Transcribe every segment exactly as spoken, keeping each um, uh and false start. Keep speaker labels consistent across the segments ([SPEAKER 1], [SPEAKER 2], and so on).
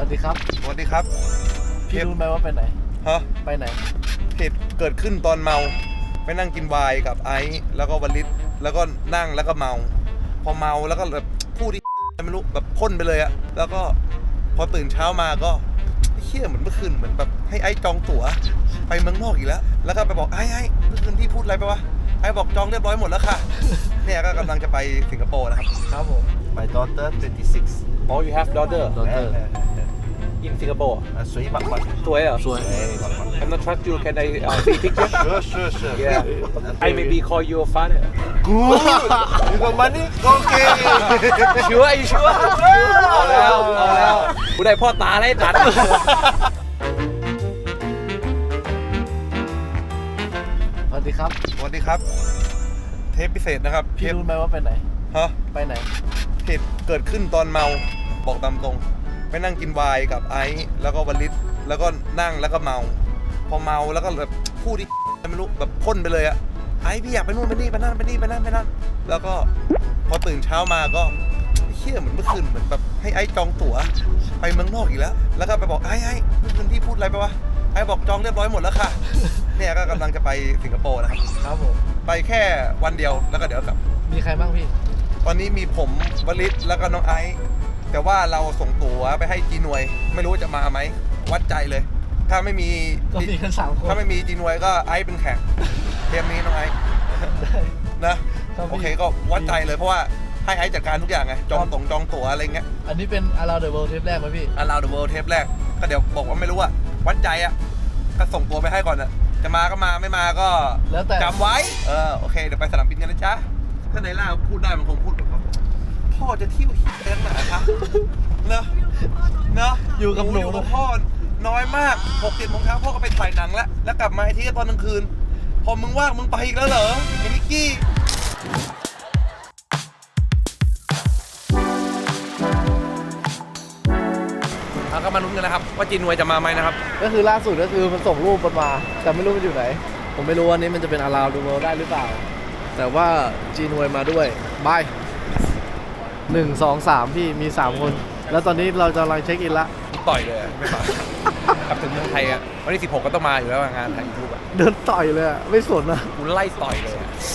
[SPEAKER 1] ดีครับ
[SPEAKER 2] สวัสดีครับ
[SPEAKER 1] พี่รู้ไหมว่าไปไหน
[SPEAKER 2] ฮะ
[SPEAKER 1] ไปไหน
[SPEAKER 2] เหตุเกิดขึ้นตอนเมาไปนั่งกินไวน์กับไอซ์แล้วก็วลิตแล้วก็นั่งแล้วก็เมาพอเมาแล้วก็แบบพูดที่ไม่รู้แบบพ่นไปเลยอะแล้วก็พอตื่นเช้ามาก็เฮี้ยเหมือนเมื่อคืนเหมือนแบบให้ไอซ์จองตั๋วไปเมืองนอกอีกแล้วแล้วก็ไปบอกไอ้ไอ้เมื่อคืนพี่พูดอะไรไปวะไอ้บอกจองเรียบร้อยหมดแล้วค่ะเนี่ยก็กำลังจะไปสิงคโปร์นะครับ
[SPEAKER 1] ครับผม
[SPEAKER 3] My daughter twenty-six.
[SPEAKER 4] Oh, you have daughter
[SPEAKER 1] daughter
[SPEAKER 4] in Singapore.
[SPEAKER 3] สวยมากๆ
[SPEAKER 4] สวยเหรอ
[SPEAKER 1] สวย
[SPEAKER 4] I'm not trust you. Can I uh, see picture?
[SPEAKER 3] Sure, sure, sure.
[SPEAKER 4] Yeah. I maybe call you a father.
[SPEAKER 3] Good. You got money? Okay.
[SPEAKER 4] Sure? Are you sure? เอาแล้วเอาแล้วกูได้พ่อตาไล่ตัด
[SPEAKER 1] สวัสดีครับ
[SPEAKER 2] สวัสดีครับเทปพิเศษนะครับเท
[SPEAKER 1] พี่
[SPEAKER 2] ป
[SPEAKER 1] รู้ไหมว่าไปไหน
[SPEAKER 2] ฮะ
[SPEAKER 1] ไปไหน
[SPEAKER 2] เหตุเกิดขึ้นตอนเมาบอกตามตรงไปนั่งกินไวน์กับไอซ์แล้วก็วลิตแล้วก็นั่งแล้วก็เมาพอเมาแล้วก็แบบพูดที่ไม่รู้แบบพ่นไปเลยอะไอซ์พี่อยากไปนู่นไปนี่ไปนั่นไปนี่ไปนั่นไปนั่นแล้วก็พอตื่นเช้ามาก็เฮี้ยเหมือนเมื่อคืนเหมือนแบบให้ไอซ์จองตั๋วไปเมืองนอกอีกแล้วแล้วก็ไปบอกไอ้ไอ้เมื่อคืนพี่พูดอะไรไปวะไอ้บอกจองเรียบร้อยหมดแล้วค่ะเนี่ยก็กำลังจะไปสิงคโปร์นะครับ
[SPEAKER 1] ครับผม
[SPEAKER 2] ไปแค่วันเดียวแล้วก็เดี๋ยวกลับ
[SPEAKER 1] มีใครบ้างพี่
[SPEAKER 2] ตอนนี้มีผมวลิตแล้วก็น้องไอซ์แต่ว่าเราส่งตั๋วไปให้จีนวยไม่รู้จะมาไหมวัดใจเลย ถ้าไม่มี
[SPEAKER 1] ก็มีกันสามคน
[SPEAKER 2] ถ้าไม่มีจีนวยก็ไอซ์เป็นแขกเทปนี้น้องไอซ์นะโอเคก็วัดใจเลยเพราะว่าให้ไอซ์จัดการทุกอย่างไงจองตรงจองตั๋วอะไรเงี้ย
[SPEAKER 1] อันนี้เป็น Around the World เทปแรกไหมพี่
[SPEAKER 2] Around the World เทปแรกก็เดี๋ยวบอกว่าไม่รู้อะวัดใจอะก็ส่งตัวไปให้ก่อนอะจะมาก็มาไม่มาก็
[SPEAKER 1] แล้วแต่
[SPEAKER 2] จำไว้เออโอเคเดี๋ยวไปสนามบินกันนะจ๊ะถ้าในล่าพูดได้มันคงพูดแบบพ่อจะเที่ยวเที่ยวไหนคะเนอะเนอะ
[SPEAKER 1] อยู่กับหนู
[SPEAKER 2] อยู่กับพ่อน้อยมากหกเจ็ดโมงเช้าพ่อก็ไปถ่ายหนังแล้วแล้วกลับมาที่ตอนกลางคืนพอมึงว่างมึงไปอีกแล้วเหรอไอ้นิกกี้เอาก็มาลุ้นกันนะครับว่าจีนวยจะมาไหมนะครับ
[SPEAKER 1] ก็คือล่าสุดก็คือมันส่งรูปมันมาแต่ไม่รู้มันอยู่ไหนผมไม่รู้ว่านี้มันจะเป็น Around the World ได้หรือเปล่าแต่ว่าจีนวยมาด้วยบายหนึ่งสองสามพี่มีสามคนแล้วตอนนี้เราจะกำลังเช็คอินละ
[SPEAKER 2] ต่อยเลยไม่มากลับถึงเมืองไทยอ่ะวันที่สิบหกก็ต้องมาอยู่แล้วงานถ่ายยูทูบอ่ะ
[SPEAKER 1] เดินต่อยเลยอ่ะไม่สนอ่ะ
[SPEAKER 2] กูไล่ต่อยเลย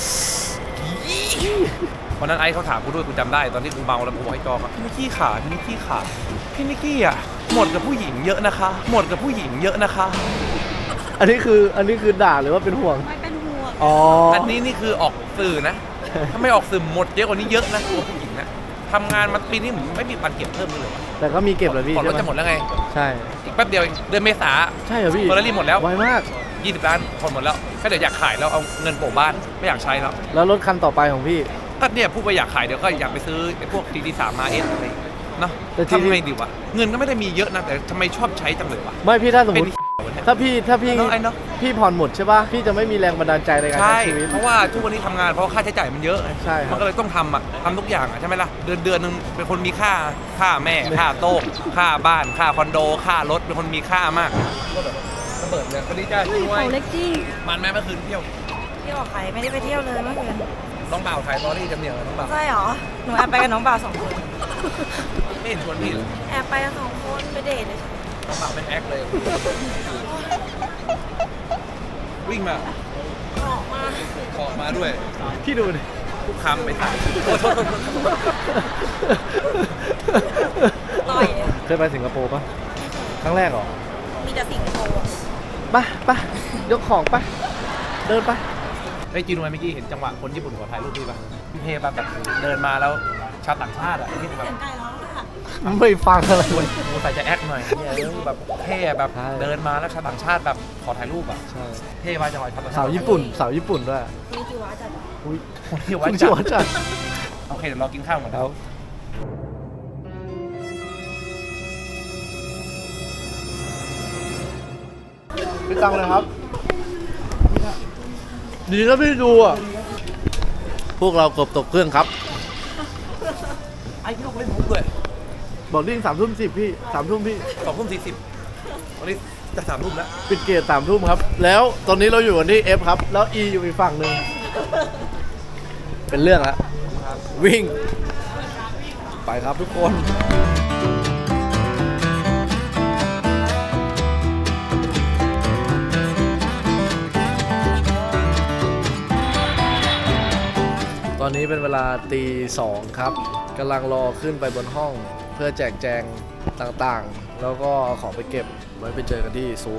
[SPEAKER 2] วันนั้นไอ้เขาถามกูด้วยกูจำได้ตอนที่กูเมาแล้วกูบอกให้จอครับพี่นิกกี้ขาพี่นิกกี้ขาพี่นิกกี้อ่ะหมดกับผู้หญิงเยอะนะคะหมดกับผู้หญิงเยอะนะคะ
[SPEAKER 1] อันนี้คืออันนี้คือด่าหรือว่าเป็นห่วง
[SPEAKER 5] ไม่เป็นห่วง
[SPEAKER 1] อ๋อ
[SPEAKER 2] อันนี้นี่คือออกสื่อนะถ้าไม่ออกสื่อหมดเยอะกว่านี้เยอะนะตัวผู้หญิงนะทำงานมาปีนี้ไม่มีปันเก็บเพิ่มเลยว่ะ
[SPEAKER 1] แต่ก็มีเก็บเหรอพี่
[SPEAKER 2] ก่อนรถจะหมดแล้วไง
[SPEAKER 1] ใช่
[SPEAKER 2] อีกแป๊บเดียวเดือนเมษา
[SPEAKER 1] ใช่เหรอพี่
[SPEAKER 2] เฟอร์รารี่หมดแล้ว
[SPEAKER 1] ไวมาก
[SPEAKER 2] ยี่สิบล้านคนหมดแล้วก็เดี๋ยวอยากขายแล้วเอาเงินโปะบ้านไม่อยากใช้แล้ว
[SPEAKER 1] แล้วรถคันต่อไปของพี่
[SPEAKER 2] ก็เนี่ยพูดไปอยากขายเดี๋ยวก็อยากไปซื้อไอ้พวก ที ดี สาม อาร์ เอส อะไรเนาะทำไมดีวะเงินก็ไม่ได้มีเยอะนะแต่ทำไมชอบใช้จังเลยวะ
[SPEAKER 1] ไม่พี่ถ้าสมมติถ้าพี่ถ้าพี่พี่ผ่อนหมดใช่ป่ะพี่จะไม่มีแรงบันดาลใจในการใช้ชีวิต
[SPEAKER 2] เพราะว่าทุกวันนี้ทำงานเพราะค่าใช้จ่ายมันเยอะ
[SPEAKER 1] ใช่
[SPEAKER 2] มันก็เลยต้องทำอ่ะทำทุกอย่างอ่ะใช่ไหมล่ะเดือนเดือนนึงเป็นคนมีค่าค่าแม่ค่าโต๊ะค่าบ้านค่าคอนโดค่ารถเป็นคนมีค่ามากระเบิดเลยคนนี้จ้าช่วย
[SPEAKER 5] เขาเล็กจี้
[SPEAKER 2] มันแม่เมื่อคืนเที่ยว
[SPEAKER 5] เที่ยวใครไม่ได้ไปเที่ยวเลยเมื่อคืน
[SPEAKER 2] น้องบ่าวถ่ายตอรี่จำเนียงน้องบ่าว
[SPEAKER 5] ใช่หรอหนูแอบไปกับน้องบ่าวสองคน
[SPEAKER 2] ไม่เห็นชวนพี่เลย
[SPEAKER 5] แอบไปกันสองคนไปเดทเลย
[SPEAKER 2] น้องบ่าวเป็นแอคเลยวิ่งมา
[SPEAKER 5] ออกมา
[SPEAKER 2] ออกมาด้วย
[SPEAKER 1] พี่ดูดิ
[SPEAKER 2] ทุกคำไปใส่
[SPEAKER 5] ต่อย
[SPEAKER 1] เคยไปสิงคโปร์ปะครั้งแรกเหรอ
[SPEAKER 5] มีแต่สิงคโปร์
[SPEAKER 1] ปะปะยกของปะเดินปะ
[SPEAKER 2] ไอ้จีนวยเมื่อกี้เห็นจังหวะคนญี่ปุ่นขอถ่ายรูปพี่ปะพี่เทปะแบบเดินมาแล้วชาวต่างชาติอ่ะที่แบบ
[SPEAKER 1] ไม่ฟังอะไร
[SPEAKER 2] เลยกูใส่จะแอคหน่อยเนี่ยแบบเท่แบบเดินมาแล้วชาวต่างชาติแบบขอถ่ายรูปอ่ะเท่มาจังหวะชาวต่างชาติ
[SPEAKER 1] สาวญี่ปุ่นสาวญี่ปุ่นด้วย
[SPEAKER 5] มีจิวะจัด
[SPEAKER 1] อุ้ย
[SPEAKER 2] จิวะจัดโอเคเดี๋ยวเรากินข้าวก่อนครับ
[SPEAKER 1] พี่ตังเลยครับดีนะพี่ดูอ่ะพวกเราเกือบตกเครื่องครับ
[SPEAKER 2] ไอ้พี่ลูกเล่นมุกเลย
[SPEAKER 1] บอกดิ้งสามทุ่มสิบพี่สามทุ่มพี่
[SPEAKER 2] สองทุ่มสี่สิบตอนนี้จะสามทุ่มแล้ว
[SPEAKER 1] ปิดเกตสามทุ่มครับแล้วตอนนี้เราอยู่กันที่ F ครับแล้ว E อยู่อีกฝั่งหนึ่งเป็นเรื่องละวิ่งไปครับทุกคนอนนี้เป็นเวลาตีสองครับกำลังรอขึ้นไปบนห้องเพื่อแจกแจงต่างๆ แล้วก็เอาของไปเก็บไว้ไปเจอกันที่ซุป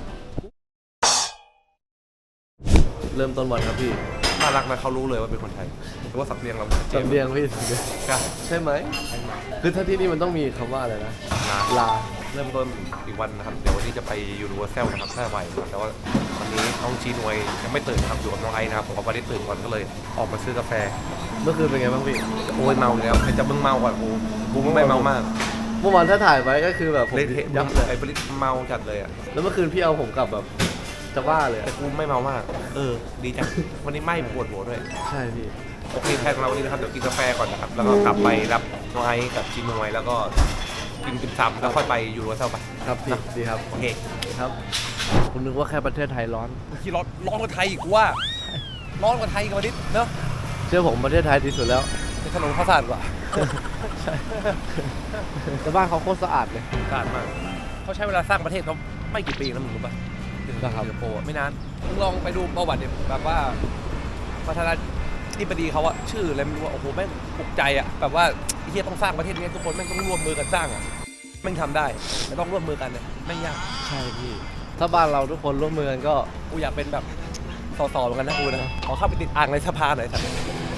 [SPEAKER 1] เริ่มต้นวันครับพี่
[SPEAKER 2] น่ารักนะเขารู้เลยว่าเป็นคนไทยแต่ว่าสับเรียงเราชัดเจน
[SPEAKER 1] จำเรียงพี่ใช่ไหมคือถ้าที่นี่มันต้องมีคำว่าอะไรนะลา
[SPEAKER 2] เริ่มต้นอีกวันนะครับ เดี๋ยววันนี้จะไปยูนิเวอร์แซลนะครับถ้าไหวนะครับแต่ว่าวันนี้น้องจีนวยยังไม่ตื่นครับอยู่กับน้องไอ้นะครับผมวันนี้ตื่นก่อนก็เลยออกมาซื้อกาแฟ
[SPEAKER 1] เมื่อคืนเป็นไงบ้างพี่
[SPEAKER 2] โอ้ยเมาอยู่แล้วใครจะมึงเมาก่อนกูกูไม่เมามาก
[SPEAKER 1] เมื่อวานถ้าถ่ายไว้ก็คือแบบผม
[SPEAKER 2] เละเทะ
[SPEAKER 1] ยับเลย
[SPEAKER 2] ไอ้บริษเมาจัดเลยอ่ะ
[SPEAKER 1] แล้วเมื่อคืนพี่เอาผมกลับแบบจะบ้าเลยอะ
[SPEAKER 2] แต่กูไม่เมามาก เออ ดีจัง วันนี้ไม่ปวดหัวด้วย
[SPEAKER 1] ใช่พี่
[SPEAKER 2] โอเคแพลนของเราวันนี้นะครับ เดี๋ยวกินกาแฟก่อนนะครับ แล้วก็กลับไปรับน้องไอซ์กับจีนวยแล้วก็กินติ่มซำแล้วค่อยไปยูโรเซลไป
[SPEAKER 1] ครับพี่ดีครับ
[SPEAKER 2] โอเค
[SPEAKER 1] ครับผมนึกว่าแค่ประเทศไทยร้อน
[SPEAKER 2] ที่ร้อนร้อนกว่าไทยอีกกูว่า ร้อนกว่าไทยกับวันนี้เนอะ
[SPEAKER 1] เชื่อผมประเทศไทยดีสุดแล้ว
[SPEAKER 2] ในถนนข้าวสารกว่า
[SPEAKER 1] ใช่แต่บ้านเขาโคตรสะอาดเลย
[SPEAKER 2] สะอาดมาก เขาใช้เวลาสร้างประเทศเขาไม่กี่ปีนะมึงรู้ป่ะถึง
[SPEAKER 1] นะครับ
[SPEAKER 2] สิงคโปร์อะไม่นาน มึงลองไปดูประวัติเนี่ยแบบว่าประธานาธิบดีเขาอะชื่ออะไรไม่รู้อะโอ้โหแม่งปลุกใจอะแบบว่าไอ้เฮียต้องสร้างประเทศนี้ทุกคนแม่งต้องร่วมมือกันสร้างอะแม่งทำได้แต่ต้องร่วมมือกันเนี่ยแม่งยาก
[SPEAKER 1] ใช่พี่ ถ้าบ้านเราทุกคนร่วมมือกันก็
[SPEAKER 2] กูอยากเป็นแบบสสเหมือนกันนะกูนะขอเข้าไปติดอ่างในสภาหน่อยสัก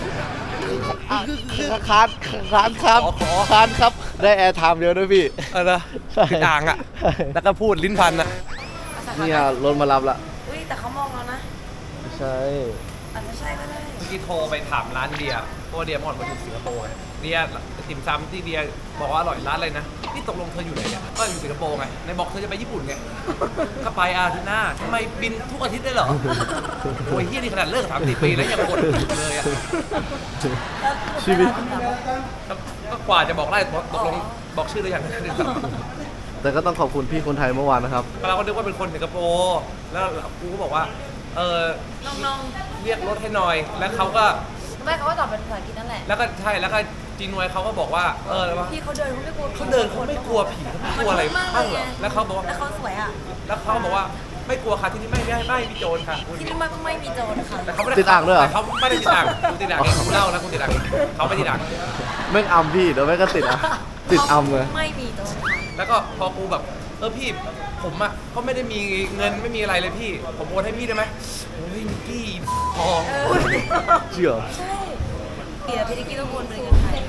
[SPEAKER 1] คานคานครับ
[SPEAKER 2] ขอขอ
[SPEAKER 1] คานครับ ได้แอร์ไทม์เยอะด้วยพี่
[SPEAKER 2] เออนะ
[SPEAKER 1] ใช่
[SPEAKER 2] ติดอ่างอะแล้วก็พูดลิ้นพันอะ
[SPEAKER 1] นี่ไงรถมารับละ
[SPEAKER 5] อุ้ยแต่เขามองแล้วนะ
[SPEAKER 1] ใช่
[SPEAKER 5] อาจจะใช่ก็ได้
[SPEAKER 2] เมื่อกี้โทรไปถามร้านเดียเพราะว่าเดียเมื่อก่อนมาอยู่สิงคโปร์ไงเดียติ่มซำที่เดียบอกว่าอร่อยร้านอะไรนะนี่ตกลงเธออยู่ไหนเนี่ยก็อยู่สิงคโปร์ไงในบอกเธอจะไปญี่ปุ่นไงก็ไปอาทิตย์หน้าทำไมบินทุกอาทิตย์ได้เหรอโอ้ยเฮียนี่ขนาดเลิกสามสี่ปีแล้วยังกดเลยอะ
[SPEAKER 1] ชีวิต
[SPEAKER 2] ก็กว่าจะบอกได้ตกลงบอกชื่อหรือยัง
[SPEAKER 1] แต่ก็ต้องขอบคุณพี่คนไทยเมื่อวานนะครับ
[SPEAKER 2] เราก็นึกว่าเป็นคนสิงคโปร์แล้วกูก็บอกว่าเออ
[SPEAKER 5] น้อง
[SPEAKER 2] เรียกรถให้หน่อย แล้วเขาก็
[SPEAKER 5] ๆไม่เขาก็ตอบเป็นภาษาอังกฤษนั่นแหละ
[SPEAKER 2] แล้วก็ใช่แล้วก็จีนวยเขาก็บอกว่าเอออะไรวะ
[SPEAKER 5] พี่เขาเดินเขาไม่กลัวผี
[SPEAKER 2] เขาเดินเขาไม่กลัวผีเขาไม่กลัวอะไรบ้างเหรอแล้วเขาบอกว่า
[SPEAKER 5] แล้วเขาสวยอ่ะ
[SPEAKER 2] แล้วเขาบอกว่าไม่กลัวค่ะที่นี่ไม่ไม่ไม่มีโจรค่ะ
[SPEAKER 5] ที่นี่ไม่ไม่มีโจรค่ะ
[SPEAKER 2] แต่เขาไม่ได้
[SPEAKER 1] ติดอ่างด้วยเหรอ
[SPEAKER 2] แต่เขาไม่ได้ติดอ่างกูติดอ่างเองกูเล่านะกูติดอ่างเองเขาไม่ติดอ่าง
[SPEAKER 1] แม่งอัมพี่เดี๋ยวแม่งก็ติดอ่ะ ติดอัมเลย
[SPEAKER 5] ไม่มีโจรค่ะ
[SPEAKER 2] แล้วก็พอกูแบบเออพี่ผมอ่ะก็ไม่ได้มีเงินไม่มีอะไรเลยพี่ ผมโอนให้พี่ได้ไหมโอ้ยมิกกี้ทอง
[SPEAKER 5] เออ
[SPEAKER 1] เชื่อ
[SPEAKER 5] ใช่เดี๋ยวพี่นิกกี้ต้องวนเลยกันไทย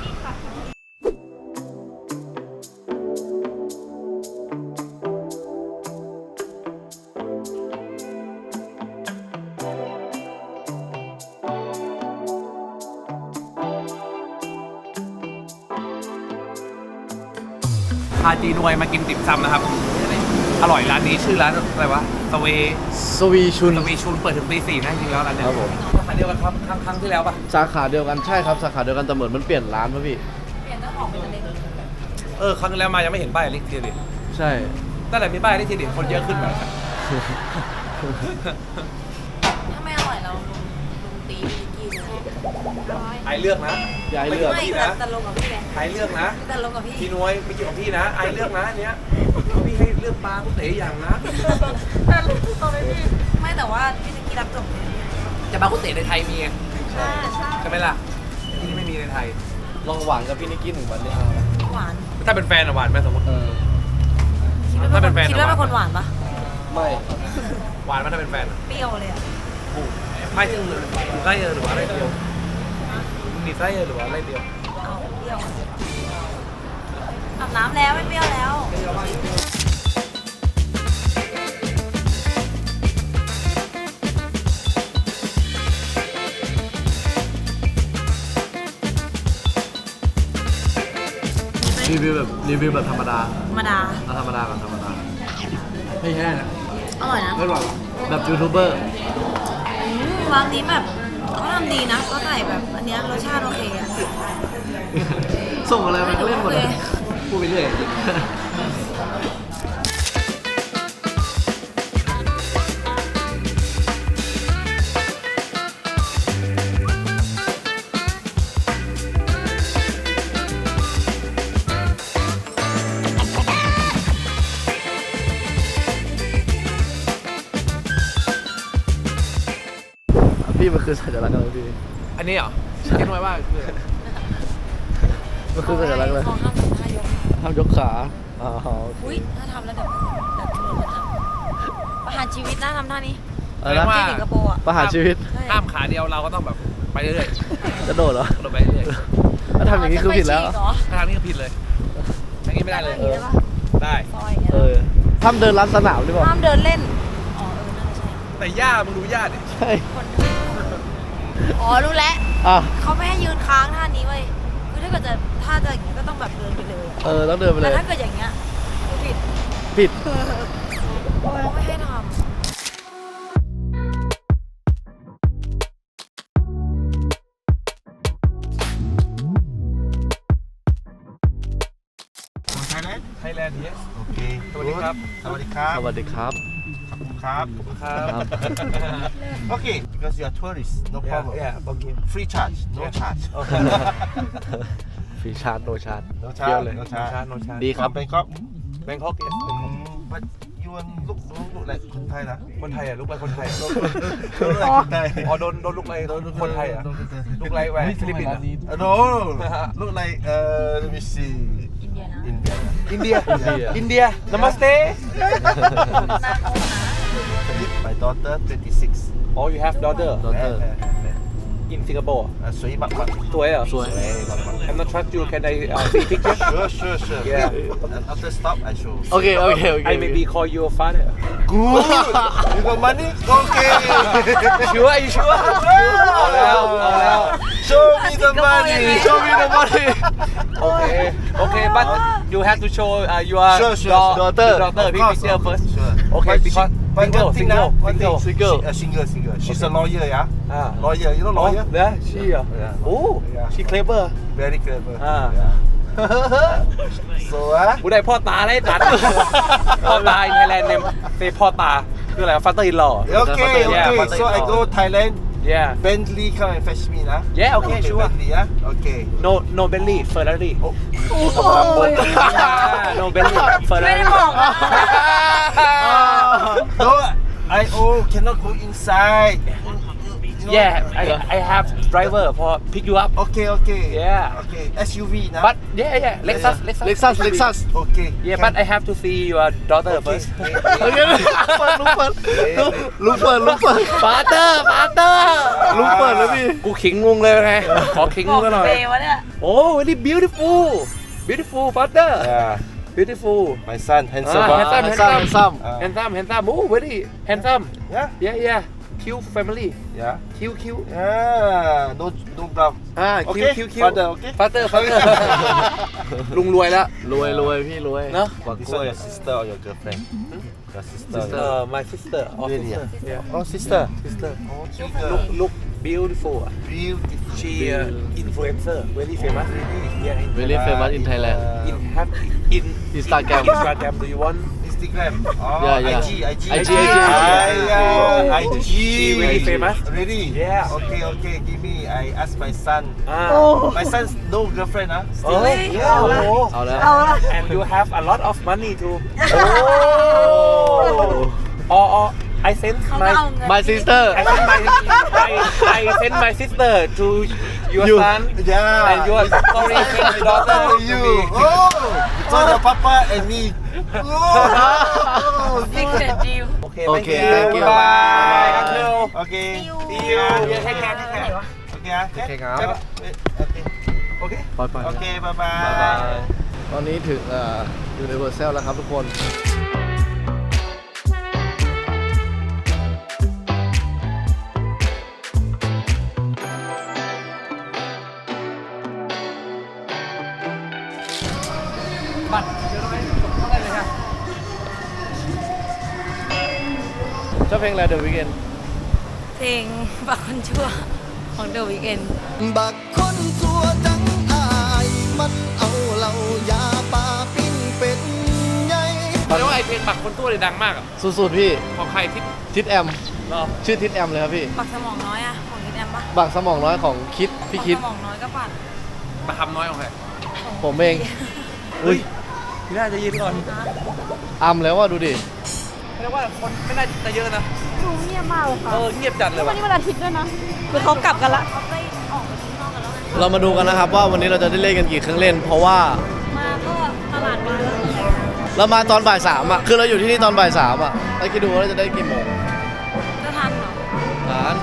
[SPEAKER 2] พาจีนวยมากินติ่มซำนะครับ อร่อยร้านนี้ชื่อร้านอะไรวะสเว
[SPEAKER 1] สวีชุน
[SPEAKER 2] สวีชูนเปิดถึงตีสี่นะจริงๆแล้วร้านเนี้ย
[SPEAKER 1] ครับผม
[SPEAKER 2] สาขาเดียวกันครับครั้งครั้งที่แล้วปะ
[SPEAKER 1] สาขาเดียวกันใช่ครับสาขาเดียวกันแต่เหมือนมันเปลี่ยนร้านป่ะพี่
[SPEAKER 5] เปลี่ยนเจ้าของเป็นอะไร
[SPEAKER 2] เออครั้งที่แล้วมายังไม่เห็นป้ายลิขทีดิ
[SPEAKER 1] ใช่
[SPEAKER 2] ตั้งแต่มีป้ายลิขทีดิคนเยอะขึ้นแบบ
[SPEAKER 5] ถ้าไม่อร่อยเราลุงลุงตีพี่นิกกี้เลย
[SPEAKER 2] ไอเลือกนะ
[SPEAKER 1] อย่าให้เลือก
[SPEAKER 5] ไม่
[SPEAKER 2] พี่
[SPEAKER 5] แต่
[SPEAKER 2] นะ
[SPEAKER 5] แต่ลงกับพี่ไง
[SPEAKER 2] ไอเลือกนะ
[SPEAKER 5] แต่ลงกับพี่
[SPEAKER 2] พี่นวยไม่เกี่ยวกับพี่นะ ไอเลือกนะอันเนี้ยพี่ให้เลือกปลากุเต๋อย่างนะ
[SPEAKER 5] แต่ลงกับพี่ไม่แต่ว่าพี่นิกกี้รับจบเลย
[SPEAKER 2] จะปลากุเต๋ในไทยมีไง
[SPEAKER 5] ใช่ใช่
[SPEAKER 2] ใช่ไหมล่ะที่นี่ไม่มีในไทย
[SPEAKER 1] ลองหวานกับพี่นิกกี้หนึ่งวันนี้เอานะ
[SPEAKER 5] หวาน
[SPEAKER 2] ถ้าเป็นแฟนอะหวานไหมสมมติ
[SPEAKER 1] เออ
[SPEAKER 2] ถ้าเป็นแฟน
[SPEAKER 5] คิดว่าเป็นคนหวานปะ
[SPEAKER 1] ไม่
[SPEAKER 2] หวานไหมถ้าเป็นแฟนอะ
[SPEAKER 5] เปรี้ยวเลยอ่ะ
[SPEAKER 2] ไม่ถึงไส้เออหรือว่าอะไรเดียวมีไส้เออหรือว่าอะไรเดียว
[SPEAKER 5] เอาเปรี้ยวอะอาบน้ำแล้วไม่เปรี้ยวแล้ว
[SPEAKER 1] รีวิวแบบรีวิวแบบธรรมดา
[SPEAKER 5] ธรรมดา
[SPEAKER 1] เอาธรรมดาก่อนธรรมดาไม่แห้ง
[SPEAKER 5] อร่อยนะ
[SPEAKER 1] ไม่หวานแบบยูทูบเบอร์
[SPEAKER 5] อืมร้านนี้แบบเขาทำดีนะก็ใส่แบบอันเนี้ยรสชาติโอเคอะ
[SPEAKER 1] ส่งอะไรมันก็เล่นหมดเลย
[SPEAKER 5] โอเค
[SPEAKER 1] พูดไปเรื่อยพี่มันคือสัญลักษณ์อะไรพี่
[SPEAKER 2] อันนี้เหรอ
[SPEAKER 4] เก็ตไว้ว่าคืออะไร
[SPEAKER 1] มันคือสัญลักษณ์เลย
[SPEAKER 5] เขาห้ามทำท่ายก
[SPEAKER 1] ห้ามยกขาอ๋อ
[SPEAKER 5] อุ้ยถ้าทำแล้วเดี๋ยวเดี๋ยวตำรวจมาทำประหารชีวิตนะทำท่านี้
[SPEAKER 1] อะไรนะ
[SPEAKER 5] ที่สิงคโปร์อ่ะ
[SPEAKER 1] ประหารชีวิต
[SPEAKER 5] ใช่
[SPEAKER 4] ห้ามขาเดียวเราก็ต้องแบบไปเรื่อย
[SPEAKER 1] กระโดดเหรอ
[SPEAKER 4] ๆกระโดดไปเรื่อย
[SPEAKER 1] ถ้าทำอย่างนี้คือผิดแล้ว
[SPEAKER 5] จะไปฉีกเหรอ
[SPEAKER 4] ๆถ้าทางนี้ก็ผิดเลยทางนี้ไม่ได้เลย
[SPEAKER 5] ได้ปะ
[SPEAKER 4] ได้
[SPEAKER 5] ซอยอย่างเงี้ย
[SPEAKER 1] เออห้ามเดินลัดสนามหรือเปล่า
[SPEAKER 5] ห้ามเดินเล่น อ๋อเออน่าจะใช่
[SPEAKER 4] แต่ย่ามึงดูย่าดิ
[SPEAKER 1] ใช่
[SPEAKER 5] คนอ๋อรู้แล้ว
[SPEAKER 1] อ่ะ
[SPEAKER 5] เขาไม่ให้ยืนค้างท่านี้เว้ยคือถ้าเกิดจะท่าจะอย่างเงี้ยก็ต้องแบบเดินไปเลยอะ
[SPEAKER 1] เออต้องเดินไปเล
[SPEAKER 5] แต่
[SPEAKER 1] ย
[SPEAKER 5] ถ้าเกิดอย่างเงี้ยคือผิด
[SPEAKER 1] ผิด
[SPEAKER 5] เขาไม่ให้ท
[SPEAKER 3] ไทยแลนด์
[SPEAKER 4] ไทยแลนด์เนี้ย
[SPEAKER 3] โอเค
[SPEAKER 4] สวัสดีครับ
[SPEAKER 3] สวัสดีครับ
[SPEAKER 1] สวัสดีครับ
[SPEAKER 3] ขอบคุณครับ
[SPEAKER 4] ครับ
[SPEAKER 1] ครับ
[SPEAKER 3] Okay, because you are tourist, no problem.
[SPEAKER 4] yeah yeah okay
[SPEAKER 3] Free charge, no
[SPEAKER 4] Yeah.
[SPEAKER 3] charge.
[SPEAKER 1] ฟรีชาร์จโนชาร์จ
[SPEAKER 3] No
[SPEAKER 1] เที่ยว
[SPEAKER 3] charge,
[SPEAKER 1] เลย
[SPEAKER 3] no
[SPEAKER 4] โนชา
[SPEAKER 3] charge.
[SPEAKER 4] โนชา
[SPEAKER 1] ดีครับ
[SPEAKER 3] From Bangkok.
[SPEAKER 4] แบงคอกเนี่ย
[SPEAKER 3] Mm, but you want look look, look like คนไทยนะ
[SPEAKER 4] คนไทยอ่ะลูกไรคนไทย
[SPEAKER 3] Look like คนไทย
[SPEAKER 4] อ๋อโดนโดนลูกไรคนไทยอ่ะลูกไรแหวนฟิลิปปินส์อ่ะ
[SPEAKER 3] Uh, No, look like uh, let me see.
[SPEAKER 5] ำอินเดียนะ
[SPEAKER 3] India.
[SPEAKER 4] อินเดีย
[SPEAKER 1] India
[SPEAKER 4] อินเดียนามัสเต
[SPEAKER 5] นาโกนะ
[SPEAKER 3] My daughter twenty-six.
[SPEAKER 4] oh you have daughter
[SPEAKER 1] Daughter.
[SPEAKER 4] in Singapore
[SPEAKER 3] Uh, สวยมากมาก
[SPEAKER 4] สวยเหรอ
[SPEAKER 1] สวย
[SPEAKER 4] I'm not trust you can I uh, see picture
[SPEAKER 3] Sure, sure, sure.
[SPEAKER 4] Yeah.
[SPEAKER 3] And after stop, I show.
[SPEAKER 1] โอเค โอเค โอเค
[SPEAKER 4] I maybe call you a father
[SPEAKER 3] Good. You got money? Okay.
[SPEAKER 4] sure are you sure เอาแล้วเอาแล้ว
[SPEAKER 3] Show me the money.
[SPEAKER 1] Show me the money
[SPEAKER 4] okay okay but you have to show uh, your
[SPEAKER 3] Sure, sure,
[SPEAKER 4] your
[SPEAKER 1] daughter.
[SPEAKER 4] daughter
[SPEAKER 3] Of course,
[SPEAKER 4] picture
[SPEAKER 3] of course,
[SPEAKER 4] first
[SPEAKER 3] sure.
[SPEAKER 4] okay
[SPEAKER 3] But
[SPEAKER 4] because
[SPEAKER 3] she- but
[SPEAKER 4] single
[SPEAKER 3] one thing
[SPEAKER 4] single
[SPEAKER 3] now, one
[SPEAKER 4] single
[SPEAKER 3] thing,
[SPEAKER 1] Single.
[SPEAKER 3] She, uh, single, single. She's a lawyer, yeah.
[SPEAKER 4] อ่า
[SPEAKER 3] Lawyer, you know
[SPEAKER 4] อ๋อ
[SPEAKER 3] lawyer?
[SPEAKER 4] เนี่ย she อ่ะ
[SPEAKER 3] Yeah.
[SPEAKER 4] โอ้
[SPEAKER 3] Yeah.
[SPEAKER 4] she clever
[SPEAKER 3] Very clever.
[SPEAKER 4] Ah.
[SPEAKER 3] Yeah. so, ah.
[SPEAKER 4] กูได้พ่อตาได้ตัด พ่อตา in Thailand name say พ่อตาคืออะไร father in law
[SPEAKER 3] Okay,
[SPEAKER 4] Yeah,
[SPEAKER 3] okay.
[SPEAKER 4] but-
[SPEAKER 3] So I go Thailand.
[SPEAKER 4] yeah
[SPEAKER 3] Bentley come and fetch me, nah.
[SPEAKER 4] Yeah, okay, sure.
[SPEAKER 3] Bentley, yeah. Okay.
[SPEAKER 4] no no Bentley Ferrari
[SPEAKER 5] โอ้โห
[SPEAKER 4] no Bentley
[SPEAKER 5] ไม่
[SPEAKER 4] Ferrari
[SPEAKER 5] ได้บอกนะ
[SPEAKER 3] No, I oh cannot go inside. You know?
[SPEAKER 4] yeah I I have driver for pick you up
[SPEAKER 3] Okay, okay.
[SPEAKER 4] Yeah.
[SPEAKER 3] Okay. S U V, nah.
[SPEAKER 4] but yeah yeah Lexus
[SPEAKER 3] Yeah.
[SPEAKER 4] Lexus
[SPEAKER 1] Lexus Lexus
[SPEAKER 3] Okay.
[SPEAKER 4] yeah
[SPEAKER 3] can-
[SPEAKER 4] but I have to see your daughter
[SPEAKER 3] Okay.
[SPEAKER 4] first
[SPEAKER 1] โอเคลุกเปิดลุกเปิดลุกเปิด
[SPEAKER 4] father father
[SPEAKER 1] ลุกเปิดแล้วพี่
[SPEAKER 4] กูขิงงงเลยไงขอขิง
[SPEAKER 5] บ
[SPEAKER 4] ง
[SPEAKER 5] อง ก
[SPEAKER 4] กันหน่อย
[SPEAKER 5] เบย์วะเนี่ย
[SPEAKER 4] โอ้ very beautiful beautiful father
[SPEAKER 3] Yeah.
[SPEAKER 4] beautiful
[SPEAKER 3] My son, handsome.
[SPEAKER 4] Ah,
[SPEAKER 3] ah.
[SPEAKER 4] handsome,
[SPEAKER 1] handsome handsome
[SPEAKER 3] Ah.
[SPEAKER 4] handsome handsome oh very handsome
[SPEAKER 3] Yeah.
[SPEAKER 4] yeah yeah cute family
[SPEAKER 3] Yeah.
[SPEAKER 4] cute cute
[SPEAKER 3] Yeah. No, no brown.
[SPEAKER 4] อ่า
[SPEAKER 3] Okay.
[SPEAKER 4] cute cute cute
[SPEAKER 3] Father, okay.
[SPEAKER 4] father father ลุงรวยแล้ว
[SPEAKER 1] รวยรวยพี่รวย
[SPEAKER 4] เนอะ
[SPEAKER 1] กว่า
[SPEAKER 3] This
[SPEAKER 1] กล้วย
[SPEAKER 3] one your sister or your girlfriend? Your sister.
[SPEAKER 1] Sister.
[SPEAKER 4] uh, my sister oh
[SPEAKER 3] Really,
[SPEAKER 4] sister
[SPEAKER 3] ah?
[SPEAKER 4] yeah
[SPEAKER 3] Oh, sister.
[SPEAKER 4] sister
[SPEAKER 3] Oh,
[SPEAKER 4] look
[SPEAKER 3] cute.
[SPEAKER 4] look beautiful
[SPEAKER 3] Beautiful.
[SPEAKER 4] she uh, influencer very famous yeah in
[SPEAKER 1] Very famous in Thailand
[SPEAKER 4] in have in
[SPEAKER 1] Instagram
[SPEAKER 4] Instagram do you want
[SPEAKER 3] Instagram. Oh,
[SPEAKER 1] Yeah, yeah.
[SPEAKER 3] I G, I G.
[SPEAKER 1] I G,
[SPEAKER 3] I G.
[SPEAKER 1] I G.
[SPEAKER 3] I G.
[SPEAKER 4] She really famous
[SPEAKER 3] Really?
[SPEAKER 4] Yeah.
[SPEAKER 3] Okay, okay. Give me. I ask my son.
[SPEAKER 4] อ่า
[SPEAKER 3] My son's no girlfriend, huh?
[SPEAKER 4] โอ้ย
[SPEAKER 3] Yeah.
[SPEAKER 4] โอ้โห
[SPEAKER 1] เอาแล้ว
[SPEAKER 5] เอาละ
[SPEAKER 4] and you have a lot of money too oh or or I send
[SPEAKER 5] เขาก็
[SPEAKER 4] my
[SPEAKER 5] เอาเงิน
[SPEAKER 1] My sister
[SPEAKER 4] I send my I, I send my sister to your
[SPEAKER 1] You.
[SPEAKER 4] son
[SPEAKER 3] Yeah.
[SPEAKER 4] and your sorry send
[SPEAKER 3] My
[SPEAKER 4] daughter
[SPEAKER 3] daughter
[SPEAKER 4] to
[SPEAKER 3] and you.
[SPEAKER 4] me
[SPEAKER 3] Oh, so the papa and me. Oh.
[SPEAKER 5] ซิกเรตดิว
[SPEAKER 4] okay
[SPEAKER 1] Okay,
[SPEAKER 4] thank
[SPEAKER 1] thank
[SPEAKER 4] you
[SPEAKER 1] you.
[SPEAKER 4] bye
[SPEAKER 1] Bye.
[SPEAKER 4] uncle
[SPEAKER 3] Okay.
[SPEAKER 4] see you yeah take care take care
[SPEAKER 3] Okay, ah.
[SPEAKER 4] Okay, ngáo.
[SPEAKER 3] Okay.
[SPEAKER 4] okay
[SPEAKER 1] ปล่อยปล่อย
[SPEAKER 3] Okay, bye bye.
[SPEAKER 1] บ๊ายบายตอนนี้ถึงเอ่อยูนิเวอร์แซลแล้วครับทุกคน
[SPEAKER 4] บัตรเดี๋ยวเราไปเข้าได้เลยค่ะ
[SPEAKER 1] ชอบเพลงอะไร The Weeknd
[SPEAKER 5] เพลงบักคนชั่วของเดอะวีคเอนด์
[SPEAKER 6] บักคนสัวจังอายมันเอาเหล่ายาปลาปิ้งเป็นไง
[SPEAKER 4] เรียกว่าไอเพลงบักคนตัวเลยดังมากอ่ะ
[SPEAKER 1] สุดๆพี่
[SPEAKER 4] ของใครที่
[SPEAKER 1] ทิดแอม
[SPEAKER 4] เนาะ
[SPEAKER 1] ชื่อทิดแอมเลยครับพี่
[SPEAKER 5] บักสมองน้อยอะของนิดแอมปะ
[SPEAKER 1] บังสมองน้อยของคิดพี่คิด
[SPEAKER 5] บักสมองน้อยก็ปัด
[SPEAKER 4] มาทำน้อยของใคร
[SPEAKER 1] ผมเอง
[SPEAKER 4] เฮ้ยพี่น่าจะยินก่อน
[SPEAKER 1] อัมแล้วว่าดูดิ
[SPEAKER 4] เรียกว่าคนไม่น่าจะเยอะนะ
[SPEAKER 5] ดูเงียบมากเลยค่ะ
[SPEAKER 4] เออเงียบจัดเลย
[SPEAKER 5] วั
[SPEAKER 4] ว่ะ
[SPEAKER 5] นนี้วันอาทิตย์ด้วยนะคือเขากลับกันละเขาไปออกไปข้างนอกกัน
[SPEAKER 1] เรามาดูกันนะครับว่าวันนี้เราจะได้เล่นกันกี่เครื่องเล่น เพราะว่า
[SPEAKER 5] มาก็ตลาดมาแล้ว
[SPEAKER 1] เรามาตอนบ่ายสามอ่ะคือเราอยู่ที่นี่ตอนบ่ายสามอ่ะแล้วคิดดูว่าเราจะได้กี่โมง
[SPEAKER 5] จะทันเหรอ
[SPEAKER 1] ฐาน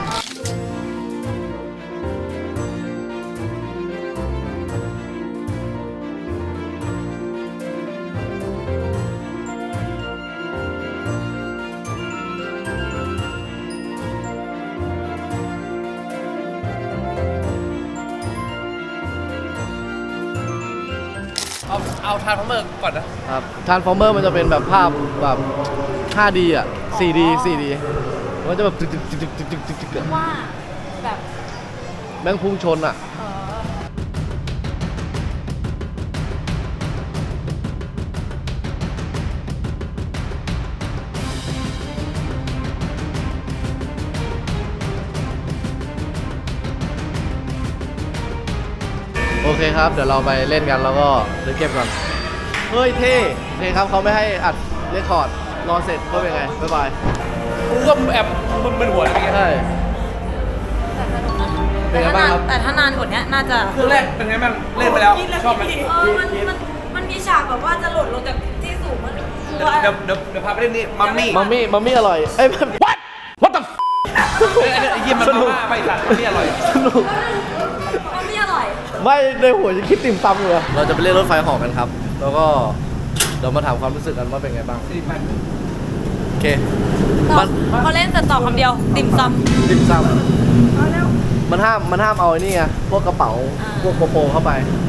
[SPEAKER 4] เอาเอาทานพร้อมเมอร์ก่อนนะครับ
[SPEAKER 1] ทรานส์ฟอร์เมอร์มันจะเป็นแบบภาพแบบ ห้าดี อ่ะ โฟร์ดี โฟร์ดี มันจะแบบตึกตึกตึกตึกตึกตึกตึกตึกอะ
[SPEAKER 5] ว่าแบบ
[SPEAKER 1] แม่งพุ่งชนอ่ะ
[SPEAKER 5] เออ
[SPEAKER 1] โอเคครับ เดี๋ยวเราไปเล่นกันแล้วก็เล่นเกมก่อน เฮ้ยเท่โอเคครับเขาไม่ให้อัดเรคคอร์ด รอเสร็จก็เป็นไง บ๊ายบาย
[SPEAKER 4] กูก็แอบมึนๆหัวอะไรเงี้ย
[SPEAKER 1] ใช่
[SPEAKER 5] แต่ถ้านานแต่ถ้านานกว่านี้น่าจะ
[SPEAKER 4] เครื่องแรกเป็นไงบ้างเล่นไปแล้วชอบไหม
[SPEAKER 5] เออมันมันมันมีฉากแบบว่าจะหล่นลงจากที่สูงมันกลัว
[SPEAKER 4] เดี๋ยวเดี๋ยวเดี๋ยวพาไปเล่นนี่มัมมี่
[SPEAKER 1] มัมมี่ มัมมี่อร่อย เอ้ย what what the
[SPEAKER 4] ไอ้ไอ้ยิมมันมาม่าไปสัตว์นี่อร่อย
[SPEAKER 1] สนุก
[SPEAKER 5] มันไม่อร่อย
[SPEAKER 1] ไม่ในหัวจะคิดติ่มซำเลยเราจะไปเล่นรถไฟเหอกันครับ แล้วก็เดี๋ยวมาถามความรู้สึกกันว่าเป็นไงบ้าง โอเค มัน
[SPEAKER 5] พอเล่นเสร็จตอบคำเดียว ติ่มซำ
[SPEAKER 1] ติ่มซำมันห้าม มันห้ามเอาไอ้นี่ไง พวกกระเป๋า
[SPEAKER 5] อ่า
[SPEAKER 1] พวกโปโปเข้าไป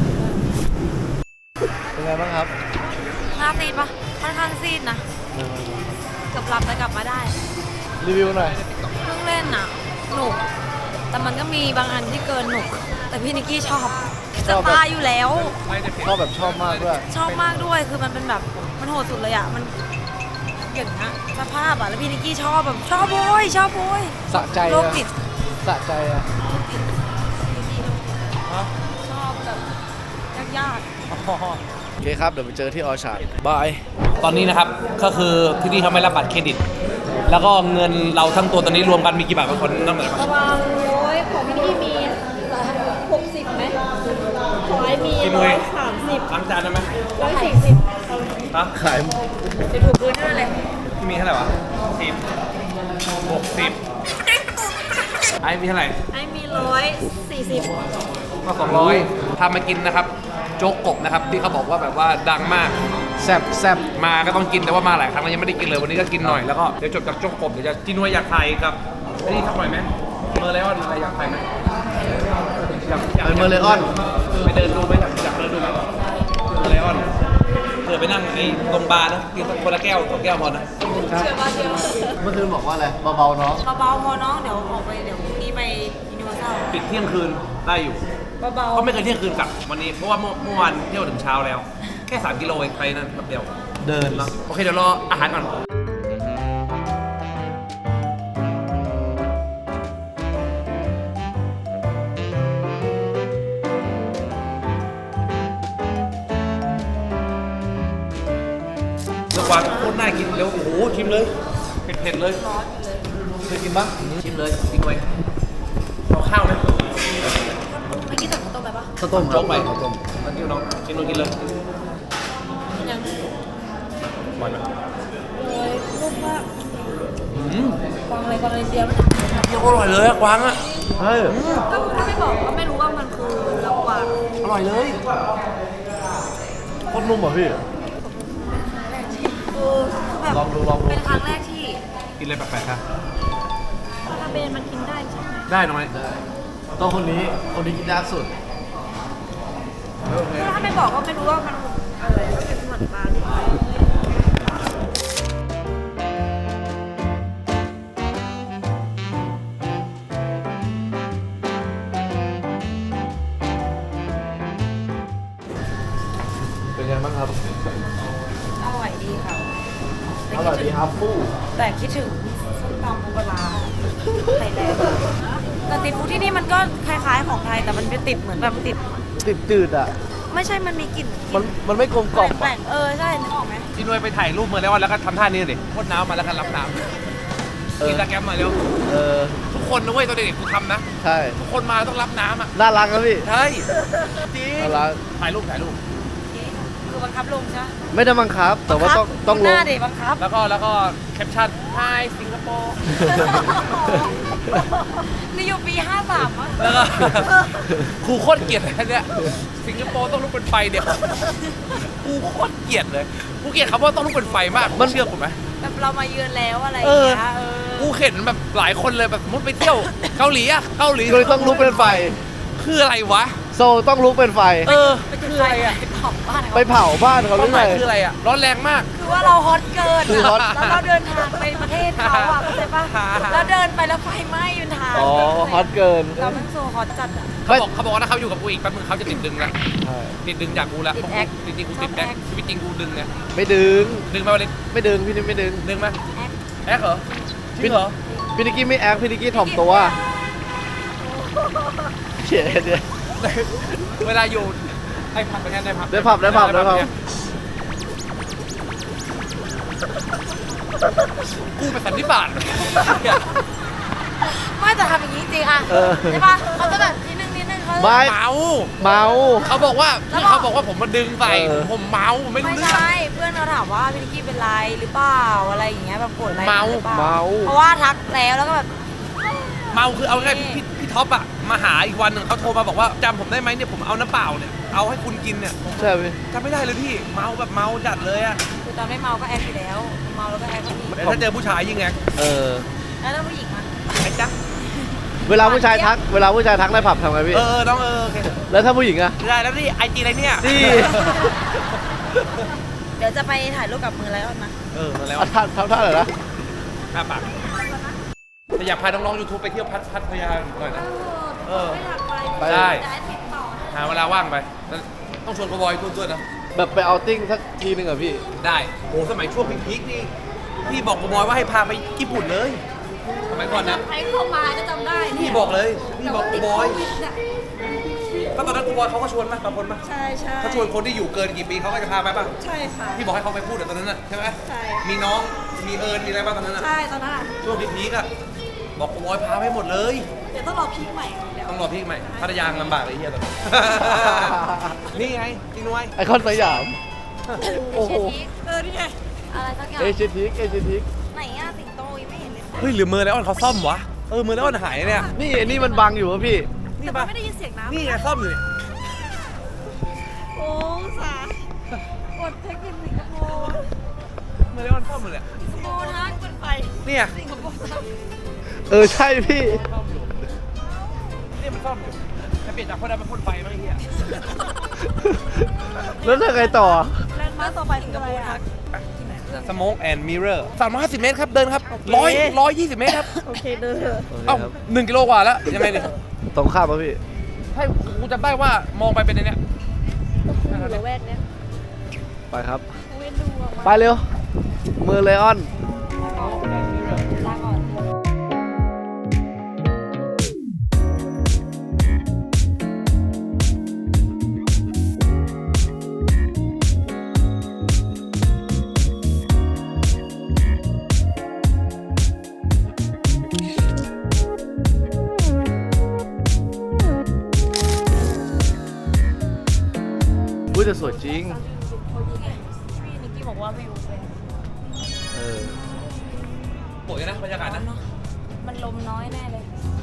[SPEAKER 1] เป็นไงบ้างครับ
[SPEAKER 5] หน้าซีดปะค่อนข้างซีดนะเกือบหลับแต่กลับมาได้
[SPEAKER 1] รีวิวหน่อย
[SPEAKER 5] เครื่องเล่นน่ะหนุก แต่มันก็มีบางอันที่เกินหนุก แต่พี่นิกกี้ชอบ
[SPEAKER 1] ช
[SPEAKER 5] จะ
[SPEAKER 1] อบแบบ
[SPEAKER 5] ตายอยู่แล้ว
[SPEAKER 1] ชอบแบบชอบมากด้วย
[SPEAKER 5] ชอบมากด้วย คือมันเป็นแบบ มันโหดสุดเลยอ่ะ มันอย่างนี้สภาพอ่ะ แล้วพี่นิกกี้ชอบแบบชอบโวยชอบโวย
[SPEAKER 1] สะใจ
[SPEAKER 5] โรค
[SPEAKER 1] อะ
[SPEAKER 5] จิต
[SPEAKER 1] สะใจอะ
[SPEAKER 5] ชอบแบบยาก
[SPEAKER 1] โอเคครับ เดี๋ยวไปเจอที่ออชาร์ดบาย
[SPEAKER 4] ตอนนี้นะครับก็คือที่นี่เขาไม่รับบัตรเครดิต แล้วก็เงินเราทั้งตัวตอนนี้รวมกันมีกี่บาทบางคนนั่งเหมือน
[SPEAKER 5] ๆประมาณร้อยของพี่นิกกี้มีหกสิบไหมของไอ้มี
[SPEAKER 4] กิน
[SPEAKER 5] ร้
[SPEAKER 4] เล
[SPEAKER 5] อย ยสามสิบ
[SPEAKER 4] ล้างจานได้ไหม
[SPEAKER 5] ร้อยสี่สิบ
[SPEAKER 4] ฮะ
[SPEAKER 1] ขายหมด
[SPEAKER 5] จะถูกพื้นนั่นเลย
[SPEAKER 4] ที่มีเท่าไหร่วะสิบหกสิบไอ้มีเท่าไหร่
[SPEAKER 5] ไอ้มีร้อยสี่สิบ
[SPEAKER 4] ก็สองร้อยพามากินนะครับ โจ๊กกบนะครับที่เขาบอกว่าแบบว่าดังมาก
[SPEAKER 1] แซบแซบ
[SPEAKER 4] มาก็ต้องกินแต่ว่ามาหลายครั้งแล้วยังไม่ได้กินเลยวันนี้ก็กินหน่อยแล้วก็เดี๋ยวจบจากโจ๊กกบเดี๋ยวจะจิ้นวยอยากไทยกับไอ้นี่สักหน่อยไหมเมอร์ไลออนอะไรอยากไทยไหมอยากอยาก
[SPEAKER 1] เป็นเมอร์เลออน
[SPEAKER 4] ไปเดินดูไหมอยากอยากเดินดูไหมเมอร์ไลออนเผื่อไปนั่งไอ้ตรงบาร์นะกินคนละแก้วสองแก้วพอนะ
[SPEAKER 5] เชื่อป่ะเชื่อ
[SPEAKER 1] เมื่อคืนบอกว่าอะไร เบาๆเนาะ
[SPEAKER 5] เบาๆพอน้องเดี๋ยวออกไปเดี๋ยวพรุ่งนี้ไปยูนิเวอร์แซล
[SPEAKER 4] ปิดเที่ยงคืนได้อยู่
[SPEAKER 5] เบา
[SPEAKER 4] ก็ไม่เคยเที่ยงคืนกลับวันนี้เพราะว่าเมื่อเมื่อวานเที่ยวถึงเช้าแล้ว แค่สามกิโลเองไปนั่นแป๊บเดียว
[SPEAKER 1] เดิน
[SPEAKER 4] เนาะโอเคเดี๋ยวรออาหารก่อนสวานโคตรน่ากินแล้วโอ้โหชิมเลยเผ็ดๆเลยเคยกินปะชิมเลยกินไว้เอาข้าวไหม
[SPEAKER 5] ๆไม่อกี้สั่งข้าวต้มไปปะ
[SPEAKER 1] ข้าวต้ม
[SPEAKER 4] โจ๊กไป
[SPEAKER 1] ข้าวต้ม
[SPEAKER 4] มากินน้องกินน้องกินเลย
[SPEAKER 5] ยัง
[SPEAKER 4] หวานไหม
[SPEAKER 5] เลยลูกว่า
[SPEAKER 4] อืม
[SPEAKER 5] กวางอะไรกวางอะไรเดียวมัน
[SPEAKER 4] เยี่ยมอร่อยเลยอะกวางอะ
[SPEAKER 1] เฮ้ย
[SPEAKER 5] ก็ถ้าไม่บอกก็ไม่รู้ว่ามันคือลำกวาง
[SPEAKER 4] อร่อยเลย
[SPEAKER 1] โคตรนุ่มอ่ะพี่
[SPEAKER 5] เออแบบ
[SPEAKER 1] ลองดูลองดู
[SPEAKER 5] เป็นครั้งแรกที่
[SPEAKER 4] กินอะไรแปลกๆครับ
[SPEAKER 5] ปลาเบนมันกินได้ใช่ไหม
[SPEAKER 4] ได้น้อย
[SPEAKER 1] ต้องคนนี้ คนนี้กินยากสุด
[SPEAKER 5] ก็ถ้าไม่บอกก็ไม่รู้ว่ามันอะไรก็เป็นเหมือนปลาที่
[SPEAKER 1] เป็นไงบ้างครับ
[SPEAKER 5] อร่อยดีค่ะ
[SPEAKER 1] อร่อยดีครับฟู่
[SPEAKER 5] แต่คิดถึงส้มตำปูปลาร้าไข่แดงแต่ติดฟูดที่นี่มันก็คล้ายๆของไทยแต่มันเป็นติดเหมือนแบบติด
[SPEAKER 1] ติดจืดอ่ะ
[SPEAKER 5] ไม่ใช่มันมีกลิ่น
[SPEAKER 1] มันมันไม่กลมกล่อม
[SPEAKER 5] แปล
[SPEAKER 1] อะ
[SPEAKER 5] กๆเออใช่นึกออกไหม
[SPEAKER 4] พี่นุ้ยไปถ่ายรูปมาแล้วแล้วก็ทำท่านี้ดิพ่นน้ำมาแล้วก็รับน้ำกินตะแกรมมาเร็ว
[SPEAKER 1] เออ
[SPEAKER 4] ทุกคคนนะเว้ยตอนเด็กๆกูทำนะ
[SPEAKER 1] ใช่
[SPEAKER 4] ทุกคนมาต้องรับน้ำอ่ะ
[SPEAKER 1] น่ารักครับพี่
[SPEAKER 4] ใช่จริง
[SPEAKER 1] น่ารัก
[SPEAKER 4] ถ่ายรูปถ่ายรูป
[SPEAKER 5] คือบังคับลงใช่ไหม
[SPEAKER 1] ไม่ได้บังคับ แต่ว่าต้องต้อง
[SPEAKER 5] ห
[SPEAKER 1] ลง
[SPEAKER 5] น้าเด็กบังคับ
[SPEAKER 4] แล้วก็แล้วก็แคปชั่น Hi สิงคโปร์
[SPEAKER 5] นี่อยู่ปีห้าสามอ่ะ
[SPEAKER 4] แล้วก็ ครูโคตรเกลียดเลยเนี่ยสิงคโปร์ต้องลุกเป็นไฟเดี๋ยวครูโคตรเกลียดเลยกูเกลียดคำว่าต้องลุกเป็นไฟมากมันเชื่อผมไหม
[SPEAKER 5] แบบเรามาเยือนแล้วอะไรอย่างเงี้ยเออ
[SPEAKER 4] กูเห็นแบบหลายคนเลยแบบมุดไปเที่ยวเกาหลีอะเกาหลี
[SPEAKER 1] ก็เลยต้องลุกเป็นไฟ
[SPEAKER 4] คืออะไรวะ
[SPEAKER 1] โซต้องลุกเป็นไฟ
[SPEAKER 4] เออ
[SPEAKER 5] ไปจุด
[SPEAKER 4] คือ
[SPEAKER 5] ไฟ
[SPEAKER 4] อะไรอะ
[SPEAKER 5] ไปเผาบ้านเขา
[SPEAKER 1] ไปเผาบ้านเขาห
[SPEAKER 4] ค
[SPEAKER 1] รื
[SPEAKER 4] วาม
[SPEAKER 1] อ
[SPEAKER 4] ห
[SPEAKER 1] ไง
[SPEAKER 4] มายคืออะไรอะร้อนแรงมาก
[SPEAKER 5] คือว่าเราฮอตเกิน
[SPEAKER 1] คือฮอต
[SPEAKER 5] แล้วเราเดินทางไปประเทศเขาอ่ะเข้าใจปะแล้วเดินไปแล้วไฟไหม้อยู่ทาง
[SPEAKER 1] อ๋อฮอตเกิน
[SPEAKER 5] เราเป็นโซฮอตจัดอ่ะ
[SPEAKER 4] เขาบอกเขาบอกว่าถ้าเขาอยู่กับกูอีกแป๊บนึงเขาจะติดดึงละ
[SPEAKER 1] ใช่
[SPEAKER 4] ติดดึงจากกูละ
[SPEAKER 5] ติดแอค
[SPEAKER 4] จริงๆกูติดแอคชีวิตจริงกูดึงไง
[SPEAKER 1] ไม่ดึง
[SPEAKER 4] ดึงมาวันนี้
[SPEAKER 1] ไม่ดึงพี่นี่ไม่ดึง
[SPEAKER 4] ดึงไหม
[SPEAKER 5] แอค
[SPEAKER 4] แอคเหรอจริงเหรอ
[SPEAKER 1] พี่นิกกี้ไม่แอคพี่นิกกี้ถ่อมตัวเฉียดเนี่ย
[SPEAKER 4] เวลาอยู่ไอ้ผับเป็นไงได้ผับ
[SPEAKER 1] ได้ผับได้ผับได้ผับ
[SPEAKER 4] กูเป็นสันนิบาต
[SPEAKER 5] ไม่แต่ทำอย่างนี้จริงอ่ะ
[SPEAKER 1] เออ
[SPEAKER 5] ใช่ปะเขาจะแบบนิดนึงนิดนึงเขา
[SPEAKER 1] ไม่
[SPEAKER 4] เมา
[SPEAKER 1] เมา
[SPEAKER 4] เขาบอกว่า
[SPEAKER 5] แล้ว
[SPEAKER 4] พี่
[SPEAKER 5] บอก
[SPEAKER 4] เขาบอกว่าผมมาดึงใส่
[SPEAKER 1] เออ
[SPEAKER 4] ผมเมาไม่
[SPEAKER 5] ไม่
[SPEAKER 4] รู้เรื่อง
[SPEAKER 5] ใช่เพื่อนเขาถามว่าพี่นิกกี้เป็นไรหรือเปล่าอะไรอย่างเงี้ยแบบโกรธอะไร
[SPEAKER 4] เมา
[SPEAKER 5] หรือปล่
[SPEAKER 1] เมา
[SPEAKER 5] เพราะว่าทักแล้วแล้วก็แบบ
[SPEAKER 4] เมาคือเอาง่ายๆพี่พี่ท็อปอะมาหาอีกวันหนึ่งเขาโทรมาบอกว่าจำผมได้ไหมเนี่ยผมเอาน้ำเปล่าเนี่ยเอาให้คุณกินเนี่ย
[SPEAKER 1] ใช่ไหม
[SPEAKER 4] จำไม่ได้เลยพี่เมาแบบเมาจัดเลยอะ
[SPEAKER 5] คือตอนไม่เมาก็แอคอยู่แล้วเมาแล้วก็แอคก็มี
[SPEAKER 4] แต่ถ้าเจอผู้ชายยิ่งไง
[SPEAKER 1] เออ
[SPEAKER 5] แล้วถ้าผู้หญิงมา
[SPEAKER 4] ไอ้จ๊ะ
[SPEAKER 1] เวลาผู้ชายทัก เวลาผู้ชายทักในผับทำไงพี่
[SPEAKER 4] เออน้องเออโอเค
[SPEAKER 1] แล้วถ้าผู้หญิงอะ
[SPEAKER 4] ได้แล้วนี่ไอจีอะไรเนี่ย
[SPEAKER 1] นี่
[SPEAKER 5] เดี๋ยวจะไปถ่ายรูปกับมือไลออนนะ
[SPEAKER 4] เออมาแล้ว
[SPEAKER 1] เอาท่าทำท่าไหนอยนะ
[SPEAKER 4] อ่ะปากแต่อยากพาน้องๆยูทูบไปเที่ยวพัทพัทยาหน่อยนะ เออ
[SPEAKER 1] ไป
[SPEAKER 4] ได้
[SPEAKER 5] จะให้ติดต่อ
[SPEAKER 4] หาเวลาว่างไปแล้วต้องชวนกบอยตุ้นด้วยนะ
[SPEAKER 1] แบบไปเอาติ้งสักทีหนึ่งอะพี่
[SPEAKER 4] ได้โอ้สมัยช่วงพีคๆนี่พี่บอกกบอยว่าให้พาไปญี่ปุ่นเลยสมัยก่อนนะ
[SPEAKER 5] ใครเข้ามาก็จำได้
[SPEAKER 4] พี่
[SPEAKER 5] เนี่ย
[SPEAKER 4] บอกเลยพี่บอกกบอย
[SPEAKER 5] ติดโควิดน่ะ
[SPEAKER 4] ก็ตอนนั้นกบอยเขาก็ชวนมาบางคนมา
[SPEAKER 5] ใช่ใช่
[SPEAKER 4] เขาชวนคนที่อยู่เกินกี่ปีเขาก็จะพาไปป่ะ
[SPEAKER 5] ใช่ค่ะ
[SPEAKER 4] พี่บอกให้เขาไปพูดแต่ตอนนั้นน่ะใช่ไหม
[SPEAKER 5] ใช่
[SPEAKER 4] มีน้องมีเอิญมีอะไรบ้างตอนนั้นน่ะ
[SPEAKER 5] ใช่ตอนนั้นอะ
[SPEAKER 4] ช่วงพีคๆอ่ะบอกกบอยพาไปหมดเลย
[SPEAKER 5] เดี๋ยวต้องรอพีคใหม่เดี๋ยว
[SPEAKER 4] ต้องรอพี่ใหม่พัทยาลำบากเลยไอ้เฮียตอนนี้ นี่ไงจีนวย
[SPEAKER 1] ไอคอนสยาม โอ้โห
[SPEAKER 5] เออนี่ไงอะไรสักอย่าง
[SPEAKER 1] เอเชียทิกเอเชียทิก
[SPEAKER 5] ไหนอะสิงโตยังไม่เห็นเลย
[SPEAKER 4] เฮ้ยหรือเมอร์ไลออนเขาซ่อมวะเออเมอร์ไลออนหายเนี่ย
[SPEAKER 1] นี่ไอ้นี่มันบังอยู่วะพี่
[SPEAKER 4] นี่
[SPEAKER 5] แต่
[SPEAKER 4] ปะ
[SPEAKER 5] ไม่ได้ยินเสียงน้ำ
[SPEAKER 4] นี่ไงซ่อมอยู่เนี่ย
[SPEAKER 5] โอ้สากดเทคนิคสิงคโปร์
[SPEAKER 4] เมอร์ไลออนซ่อมอยู่เนี่ย
[SPEAKER 5] สิงคโปร์ทักเป็นไฟ
[SPEAKER 4] เนี่ย
[SPEAKER 5] สิงคโปร์ทัก
[SPEAKER 1] เออใช่พี่
[SPEAKER 4] ซ่อมอยู่นี่มันซ่อมอยู่จะเปลี่ยนจากพ่นดำเป็นพ่นไฟมั้งไอ้เฮีย
[SPEAKER 1] แล้วจะไงต่อ
[SPEAKER 5] แลนด์มาร์คต่อไปสิงคโปร์ทักที่ไหนเพื่อน
[SPEAKER 4] สโมกแอนด์มิเรอร์สามร้อยห้าสิบเมตรครับเดินครับร้อยร้อยยี่สิบเมตรครับ
[SPEAKER 5] โอเคเดินเถอะ
[SPEAKER 4] เอ้าหนึ่งกิโลกว่าแล้วยังไงเนี่ย
[SPEAKER 1] ตรงข้ามป่ะพี่
[SPEAKER 4] ให้กูจำได้ว่ามองไปเป็นในเนี้ย
[SPEAKER 5] อยู่ละแวกเนี้ย
[SPEAKER 1] ไปครับ
[SPEAKER 5] เว้นดูออกมา
[SPEAKER 1] ไปเร็ว มือเลออน
[SPEAKER 5] ลาก่อน
[SPEAKER 1] อุ้ยแต่สวยจริง
[SPEAKER 5] พี่นิกกี้บอกว่าวิวเป็น
[SPEAKER 1] เออ
[SPEAKER 4] สวยนะบรรยากาศนะ
[SPEAKER 5] เนาะมันลมน้อยแน่เลย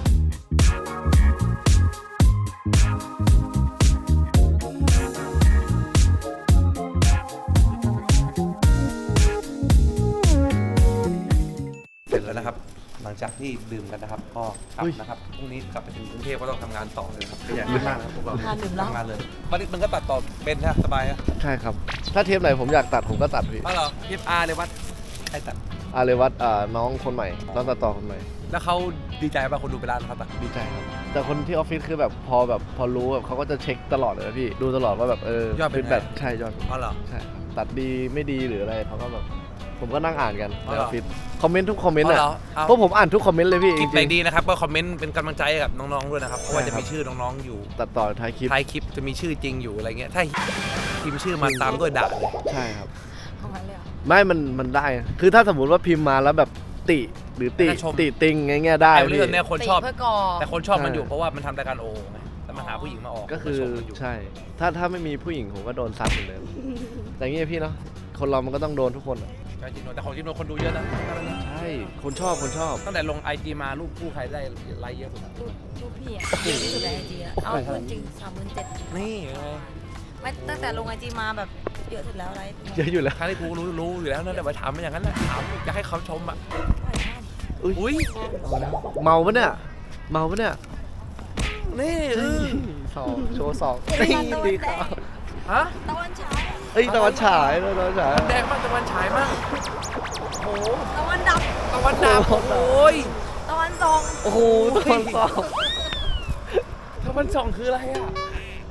[SPEAKER 4] เสร็จแล้วนะครับ หลังจากที่ดื่มกันนะครับ ก็กลับ
[SPEAKER 1] อุ้ย
[SPEAKER 4] นะครับพรุ่งนี้กลับไปถึงกรุงเทพก็ต้องทำงานต่อเลยครับขยันมากนะครับพวกเรา
[SPEAKER 5] ทานดื่มแล้ว
[SPEAKER 4] ทำงานเลยวันนี้มันก็ตัดต่อเป็นใช่ไหมสบายอะ
[SPEAKER 1] ใช่ครับ ถ้าเทปไหนผมอยากตัดผมก็ตัดพี่
[SPEAKER 4] อ๋อเหรอพีอาร์เลยวัดใครตัด
[SPEAKER 1] อาเรวัตอ่าน้องคนใหม่น้องตัดต่อคนใหม่
[SPEAKER 4] แล้วเขาดีใจป่ะคนดูไปร้านเขาตัด
[SPEAKER 1] ดีใจครับ แต่คนที่ออฟฟิศคือแบบพอแบบพอรู้แบบเขาก็จะเช็คตลอดเลยนะพี่ ดูตลอดว่าแบบเออย
[SPEAKER 4] อดเป็นไง
[SPEAKER 1] แบบใช่ยอด
[SPEAKER 4] อ๋อเหรอ
[SPEAKER 1] ใช่ครับตัดดีไม่ดีหรืออะไรเขาก็แบบ ผมก็นั่งอ่านกัน
[SPEAKER 4] อ๋อ
[SPEAKER 1] ใน
[SPEAKER 4] เหร
[SPEAKER 1] อ
[SPEAKER 4] อ
[SPEAKER 1] อฟฟิศคอมเมนต์ทุกคอมเมนต์
[SPEAKER 4] อ๋อ
[SPEAKER 1] อ่ะ
[SPEAKER 4] เหรอเอา
[SPEAKER 1] เพราะผมอ่านทุกคอมเมนต์เลยพี่
[SPEAKER 4] คลิป
[SPEAKER 1] จ
[SPEAKER 4] ไหน
[SPEAKER 1] ริง
[SPEAKER 4] ดีนะครับก็คอมเมนต์เป็นกำลังใจให้กับน้องๆด้วยนะครับเพราะว่า
[SPEAKER 1] ใช่
[SPEAKER 4] จะ
[SPEAKER 1] ครับ
[SPEAKER 4] มีชื่อน้องๆอยู่
[SPEAKER 1] ๆตัดต่อท้ายคลิป
[SPEAKER 4] ท้ายคลิปจะมีชื่อจริงอยู่อะไรเงี้ยถ้าพิมพ์ชื่อมาตามด้วยด่าเลย
[SPEAKER 1] ใช่ครับ
[SPEAKER 5] ของมันเลยเหรอ
[SPEAKER 1] ไม่มันมันได้ คือถ้าสมมุติว่าพิมพ์มาแล้วแบบติหรือติ
[SPEAKER 4] แล้วก็ชม
[SPEAKER 1] ติติงไงเงี้ยได้
[SPEAKER 4] แต่
[SPEAKER 1] พี่
[SPEAKER 4] เรื่องเนี้ยคนชอบ
[SPEAKER 5] เพื่อกอ
[SPEAKER 4] แต่คนชอบมัน
[SPEAKER 1] ใช่
[SPEAKER 4] อยู่เพราะว่ามันทำรายการโอไงแต่มันหาผู้หญิงมาออก
[SPEAKER 1] ก็คือ
[SPEAKER 4] ชมมันอยู่
[SPEAKER 1] ใช่ ถ้าถ้าไม่มีผู้หญิงผมก็โดนซัดเหมือนเดิมแต่เงี้ยพี่เนาะคนเรามันก็ต้องโดนทุกคนอะ
[SPEAKER 4] ใช่จริงๆแต่ของจริงๆคนดูเยอะนะ
[SPEAKER 1] ใช่ คนชอบคนชอบ
[SPEAKER 4] ตั้งแต่ลงไอจีมารูปคู่ใครได้ไลค์เยอะสุด
[SPEAKER 5] รูปรูปพี่อะเยอะที่สุดในไอจีอะเอาพูดจริงสามหมื่นเจ็ด
[SPEAKER 4] นี่ไง
[SPEAKER 5] ไม่ตั้งแต่ลงไอจีมาแบบเยอะสุดแล้วอะไร
[SPEAKER 1] เยอะอยู่แล้ว
[SPEAKER 4] ครั้งที่กูรู้รู้อยู่แล้วนะแต่ไปถามมันอย่างนั้นแหละถามอยากให้เขาชมอ่ะ
[SPEAKER 1] อุ้ย
[SPEAKER 4] อุ้ย
[SPEAKER 1] เมาปะเนี่ย เมาปะเนี่ย
[SPEAKER 4] นี่เออ
[SPEAKER 1] สองโชว์สองนี่ดีครับ
[SPEAKER 4] ฮะ
[SPEAKER 5] ตะวันฉาย
[SPEAKER 1] เอ้ยตะวันฉายตะวันฉาย
[SPEAKER 4] แดงมากตะวันฉายมากโอ้โห
[SPEAKER 5] ตะวันดับ
[SPEAKER 4] ตะวันดำโอ้ย
[SPEAKER 5] ตะวันทรง
[SPEAKER 1] โอ้โหตะวันสอง
[SPEAKER 4] ตะวันส่องคืออะไรอ่ะ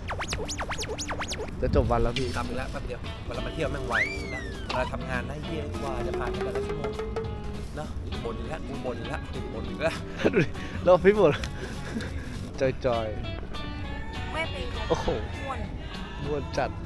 [SPEAKER 1] จะจบวันแล้วพี่
[SPEAKER 4] กลับไปแล้วแป๊บเดียวเวลามาเที่ยวแม่งไวนะเวลาทำงานได้เยี่ยกว่าจะผ่านไปแต่ละชั่วโมงเนาะบ่นอีกแล้วกูบ่นอีกแล้วกูบ่นอีกแล้ว
[SPEAKER 1] ดูดิเราพี่หมดจอยจอย
[SPEAKER 5] ไม่เป็น
[SPEAKER 1] โอ้โห
[SPEAKER 5] ม่วน
[SPEAKER 1] มวนจัด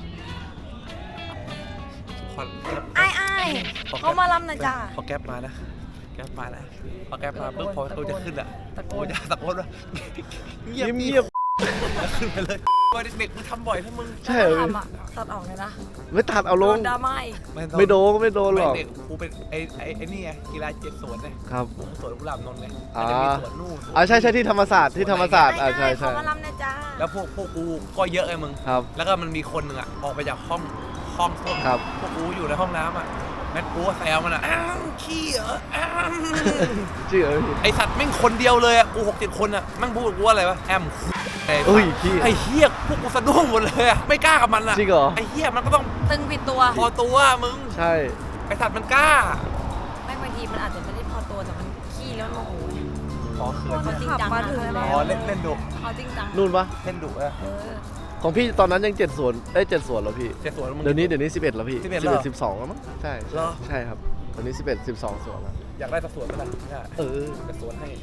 [SPEAKER 4] ควัน
[SPEAKER 5] ไอ้ไอ้ายเขามาลำนะจ้า
[SPEAKER 4] พอแก๊ปมานะแก๊ปมานะพอแก๊ปมาปุ๊บพอตัวจะขึ้นอ่ะ
[SPEAKER 5] ตะโก
[SPEAKER 4] กู
[SPEAKER 5] น
[SPEAKER 4] จะตะโกนว่าเงียบ
[SPEAKER 1] เงียบ
[SPEAKER 4] แล้วขึ้นไปเลยว่าเด็กๆมึงทำบ่อยถ้ามึง
[SPEAKER 1] ๆใช่เหรอ
[SPEAKER 5] ทำอะตัดออกเลยนะ
[SPEAKER 1] ไม่ตัดเอาล
[SPEAKER 5] โด
[SPEAKER 1] ง
[SPEAKER 5] นดราม่าอีก
[SPEAKER 4] ต้อง
[SPEAKER 1] ไม่โดนก็ไม่โดนหรอก
[SPEAKER 4] ไม่เด็กกูเป็นไอ้ไอ้ไอ้นี่ไงกีฬาเจ็ดสวนไง
[SPEAKER 1] ครับ
[SPEAKER 4] สวนกุหลาบนนท์ไง
[SPEAKER 1] อ่า
[SPEAKER 4] มันจะมีสวนนู่นสวน
[SPEAKER 1] อ่าใช่ใช่ที่ธรรมศาสตร์ที่ธรรมศาสตร์อ่าใช่
[SPEAKER 5] ไอ้
[SPEAKER 1] ใช่
[SPEAKER 5] เขามาลำนะจ้า
[SPEAKER 4] แล้วพวกพวกกูก็เยอะไงมึง
[SPEAKER 1] ครับ
[SPEAKER 4] แล้วก็มันมีคนหนึ่งอ่ะออกไปจากห้องห้องส้วม
[SPEAKER 1] ครับ
[SPEAKER 4] พวกกูอยู่ในห้องน้ำอ่ะแม่กูก็แซวมันอ่ะอ้าวขี้เหรออ้าว
[SPEAKER 1] จริงเหรอพี่
[SPEAKER 4] ไอสัตว์แม่งคนเดียวเลยอ่ะกูหกเจ็ดคนอ่ะแม่งพูดกับกูว่าอะไรวะแอมไอ้
[SPEAKER 1] เอ้ยพี่
[SPEAKER 4] ไอ้เฮียพวกกูสะดุ้งหมดเลยอ่ะไม่กล้ากับมันอ่ะ
[SPEAKER 1] จริงเหรอ
[SPEAKER 4] ไอ้เฮียมันก็ต้อง
[SPEAKER 5] ตึงผิดตัว
[SPEAKER 4] พอตัวมึง
[SPEAKER 1] ใช่
[SPEAKER 4] ไอสัตว์มันกล้า
[SPEAKER 5] ไม่บางทีมันอาจจะไม่ได้พอตัวแต่มันขี้แล้วมันโมโห
[SPEAKER 4] อ๋อเขิน
[SPEAKER 5] เขาจริงจังมาถึงแล้ว
[SPEAKER 4] อ๋อเล่นเล่นดุ
[SPEAKER 5] เขาจริงจัง
[SPEAKER 1] นู่นปะ
[SPEAKER 4] เล่นดุอะ
[SPEAKER 5] เออ
[SPEAKER 1] ของพี่ตอนนั้นยังเจ็ดส่วนเอ้ยเจ็ดส่วนแล้วพี่
[SPEAKER 4] เจ็ดสวนมึง
[SPEAKER 1] เดี๋ยวนี้เดี๋ยวนี้สิบเอ็ดแล้วพี่
[SPEAKER 4] สิบเอ็ดแล้วเหรอ
[SPEAKER 1] สิบสองแล้วมั้งใช่
[SPEAKER 4] เหรอ
[SPEAKER 1] ใช่ครับตอนนี้สิบเอ็ดสิบสองส่วนแล้ว
[SPEAKER 4] อยากได้สักสวนไหมล่ะเนี่ย
[SPEAKER 1] เออ
[SPEAKER 4] จะสวนให้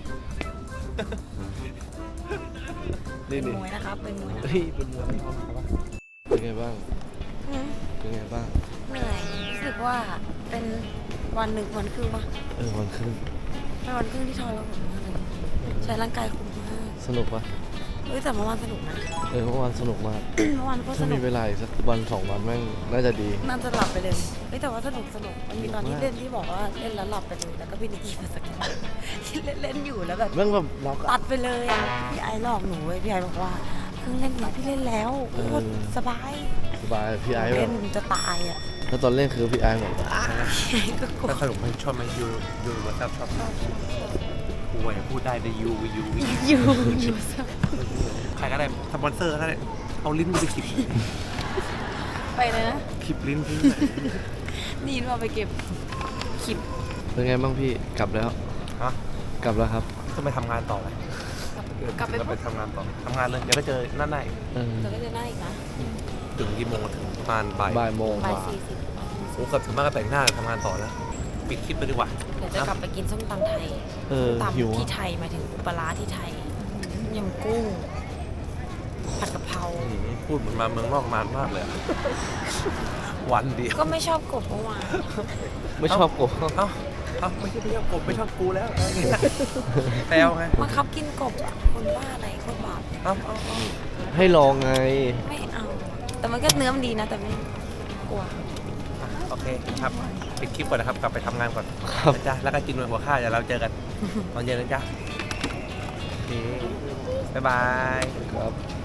[SPEAKER 1] นี่
[SPEAKER 5] เป็น
[SPEAKER 1] นี่
[SPEAKER 5] มวยนะครับเป็นมวยนะ
[SPEAKER 1] เฮ้ยเป็นมวยเป็นไงบ้าง
[SPEAKER 5] อืม
[SPEAKER 1] เป็นไงบ้าง
[SPEAKER 5] เหนื่อยรู้สึกว่าเป็นวันหนึ่งวันครึ่งปะ
[SPEAKER 1] เออวันครึ่ง
[SPEAKER 5] เป็นวันครึ่งที่ทรมานมากเลยใช้ร่างกายคุ้มมาก
[SPEAKER 1] สนุกปะ
[SPEAKER 5] เฮ้ยแต่เมื่อวานสนุกนะ
[SPEAKER 1] เออเมื่อวานสนุกมาก
[SPEAKER 5] เมื่อวานก็ส
[SPEAKER 1] ถ้า
[SPEAKER 5] นุ
[SPEAKER 1] มี
[SPEAKER 5] ก
[SPEAKER 1] เวลาอีกสักวันสองวันแม่งน่าจะดี
[SPEAKER 5] น่าจะหลับไปเลยเฮ้ยแต่ว่าสนุกสนุกมันมีตอนที่
[SPEAKER 1] มาก
[SPEAKER 5] เล่นที่บอกว่าเล่นแล้วหลับไปเลยแล้วก็พี่นิกกี้มาสกินที่เล่นเล่นอยู่แล้วแบบ
[SPEAKER 1] แม่งแบบล็อก
[SPEAKER 5] ตัดไปเลยอ่ะพี่ไอหลอกหนูเว้ยพี่ไอบอกว่าเพิ่งเล่นนะพี่เล่นแล้วโคตรสบาย
[SPEAKER 1] สบายพี่ไอ้แบ
[SPEAKER 5] เล่
[SPEAKER 1] บ
[SPEAKER 5] นจะตายอ่ะ
[SPEAKER 1] แล้วตอนเล่นคือพี่ไอ้แบบ
[SPEAKER 5] พี่ไอก็กลัว
[SPEAKER 4] ถ้าสนุกไหมชอบไหมยูยูว่าชอบชอบชอบกูไหวพูดได้ในยูยู
[SPEAKER 5] อยู่อยู่สบาย
[SPEAKER 4] ใครก็ได้สปอนเซอร์ก็ได้เอาลิ้นกูไปขีบ
[SPEAKER 5] ไปเลยนะ
[SPEAKER 4] ขีบลิ้นทิ้ง
[SPEAKER 5] นี่เราไปเก็บคลิป
[SPEAKER 1] เป็นไงบ้างพี่กลับแล้ว
[SPEAKER 4] ฮะ
[SPEAKER 1] กลับแล้วครับ
[SPEAKER 4] จะไปทำงานต่อไหม
[SPEAKER 5] กลับไป
[SPEAKER 4] จะไปทำงานต่อทำงานเลยเดี๋ยวก็เจอนั่นได้
[SPEAKER 1] เออ
[SPEAKER 5] เราก็จะได้อีกนะ
[SPEAKER 4] ถึงกี่โมงถึงประมาณบ่าย
[SPEAKER 1] บ่ายโมง
[SPEAKER 5] บ่าย
[SPEAKER 1] กว่า
[SPEAKER 5] สี่สิบ
[SPEAKER 4] โอ้เกือบถึงมากก็แต่งหน้าทำงานต่อแล้วปิดคลิปไปดีกว่า
[SPEAKER 5] เดี๋ยวจะกลับไปกินส้มตำไทย
[SPEAKER 1] เออ
[SPEAKER 5] ตำ
[SPEAKER 1] หิว
[SPEAKER 5] ที่
[SPEAKER 1] อะ
[SPEAKER 5] ไทยหมายถึงปลาร้าที่ไทยยำกุ้งผัดกะเพรา
[SPEAKER 4] อืมพูดเหมือนมาเมืองนอกนานมากเลยอะวันเดียว
[SPEAKER 5] ก็ไม่ชอบกบเมื่อวาน
[SPEAKER 1] ไม่ชอบกบ
[SPEAKER 4] เอ้าเอ้าไม่ใช่ไม่ชอบกบไม่ชอบกูแล้วอะไรอย่างเงี้ยแปลวไง
[SPEAKER 5] มาคับกินกบอะคนบ้าอะไรคนบาป
[SPEAKER 4] เอ้าเอ้าเอ้า
[SPEAKER 1] ให้ลองไง
[SPEAKER 5] ไม่เอา แต่มันก็เนื้อมันดีนะ แต่ไม่กลัว
[SPEAKER 4] โอเคครับปิดคลิปก่อนนะครับ กลับไปทำงานก่อน
[SPEAKER 1] ครับ
[SPEAKER 4] นะจ๊ะแล้วก็กินหัวข้าวเดี๋ยวเราเจอกันตอนเย็นนะจ๊ะโอเคบ๊ายบาย
[SPEAKER 1] ครับ